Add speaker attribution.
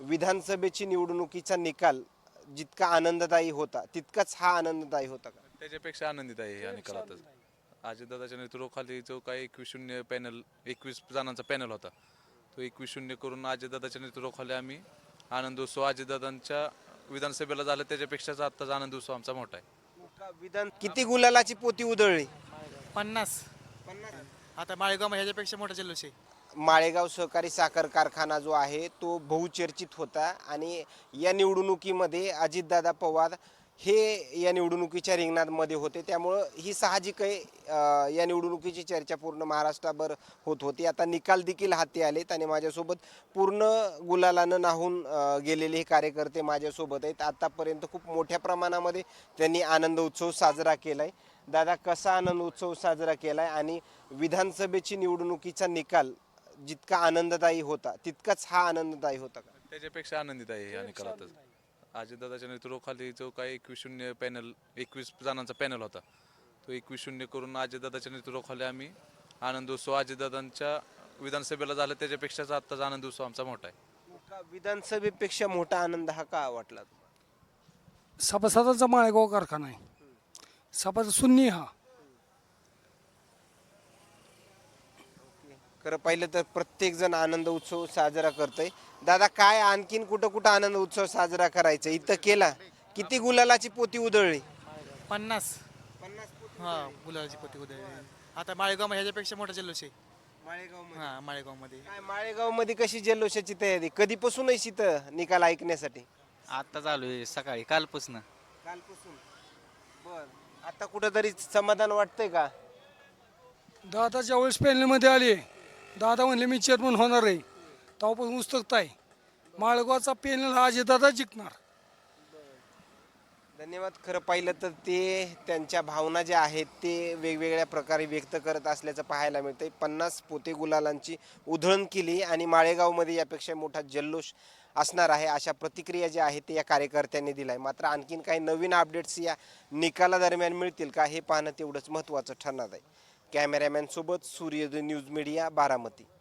Speaker 1: विधानसभेची निवडणुकीचा निकाल जितका आनंददायी होता तितकाच हा आनंददायी होता का?
Speaker 2: त्याच्यापेक्षा आनंदित आहे या निकालातच. अजितदादाच्या नेतृत्वाखाली जो काही 21-0 पॅनल 21 जणांचा पॅनल होता तो 21-0 करून अजितदादाच्या नेतृत्वाखाली आम्ही आनंदोत्सव अजितदादांच्या विधानसभेला झाला त्याच्यापेक्षाच आत्ताचा आनंदोत्सव आमचा मोठा आहे.
Speaker 1: विधान किती गुलालाची पोती उधळली?
Speaker 3: 50. आता माळेगाव ह्याच्यापेक्षा मोठा जल्लोष आहे.
Speaker 1: माळेगाव सहकारी साखर कारखाना जो आहे तो बहुचर्चित होता आणि या निवडणुकीमध्ये अजितदादा पवार हे या निवडणुकीच्या रिंगणामध्ये होते, त्यामुळं ही साहजिक आहे. या निवडणुकीची चर्चा पूर्ण महाराष्ट्राभर होत होती. आता निकाल देखील हाती आलेत आणि माझ्यासोबत पूर्ण गुलालानं नाहून गेलेले हे कार्यकर्ते माझ्यासोबत आहेत. आतापर्यंत खूप मोठ्या प्रमाणामध्ये त्यांनी आनंद उत्सव साजरा केला आहे. दादा, कसा आनंद उत्सव साजरा केला आहे आणि विधानसभेची निवडणुकीचा निकाल जितका आनंददायी होता तितकाच हा आनंददायी होता का?
Speaker 2: त्याच्यापेक्षा आनंदित आहे या निकालातच. अजितदादाच्या नेतृत्वाखाली जो काही 21-0 पॅनल 21 जणांचा पॅनल होता तो 21-0 करून अजितदादाच्या नेतृत्वाखाली आम्ही आनंदोत्सव अजितदादांच्या विधानसभेला झाला त्याच्यापेक्षाच आत्ताचा आनंदोत्सव आमचा मोठा आहे.
Speaker 1: विधानसभेपेक्षा मोठा आनंद हा का वाटला?
Speaker 4: सभासदांचा माळेगाव कारखाना आहे. सभासद सुन्नी हा.
Speaker 1: खरं पाहिलं तर प्रत्येक जण आनंद उत्सव साजरा करतोय. दादा, काय आणखीन कुठं कुठं आनंद उत्सव साजरा करायचा इथं केला? किती गुलालाची पोती उधळली?
Speaker 3: 50. हा, गुलाबाची पोती उधळली. आता माळेगाव ह्याच्यापेक्षा मोठा जल्लोष आहे. हा, माळेगावमध्ये.
Speaker 1: काय माळेगाव मध्ये कशी जल्लोषाची तयारी? कधीपासूनच इथं निकाल ऐकण्यासाठी?
Speaker 5: आता चालू आहे सकाळी कालपासून.
Speaker 1: कालपासून. बर, आता कुठंतरी समाधान वाटतंय का?
Speaker 4: दादा ज्यावेळेस पॅनलमध्ये आले, दादा म्हणले मी चेअरमन होणार आहे, तेव्हापासून उत्सुकता आहे. माळगावचा पॅनल हा अजितदादा जिंकणार.
Speaker 1: धन्यवाद. खरं पाहिलं तर ते त्यांच्या भावना ज्या आहेत ते वेगवेगळ्या प्रकारे व्यक्त करत असल्याचं पाहायला मिळतंय. 50 पोते गुलालांची उधळण केली आणि माळेगावमध्ये यापेक्षा मोठा जल्लोष असणार आहे अशा प्रतिक्रिया ज्या आहेत ते या कार्यकर्त्यांनी दिल्या आहे. मात्र आणखीन काही नवीन अपडेट्स या निकालादरम्यान मिळतील का हे पाहणं तेवढंच महत्त्वाचं ठरणार आहे. कॅमेरामॅन सोबत सूर्योदय न्यूज मीडिया, बारामती.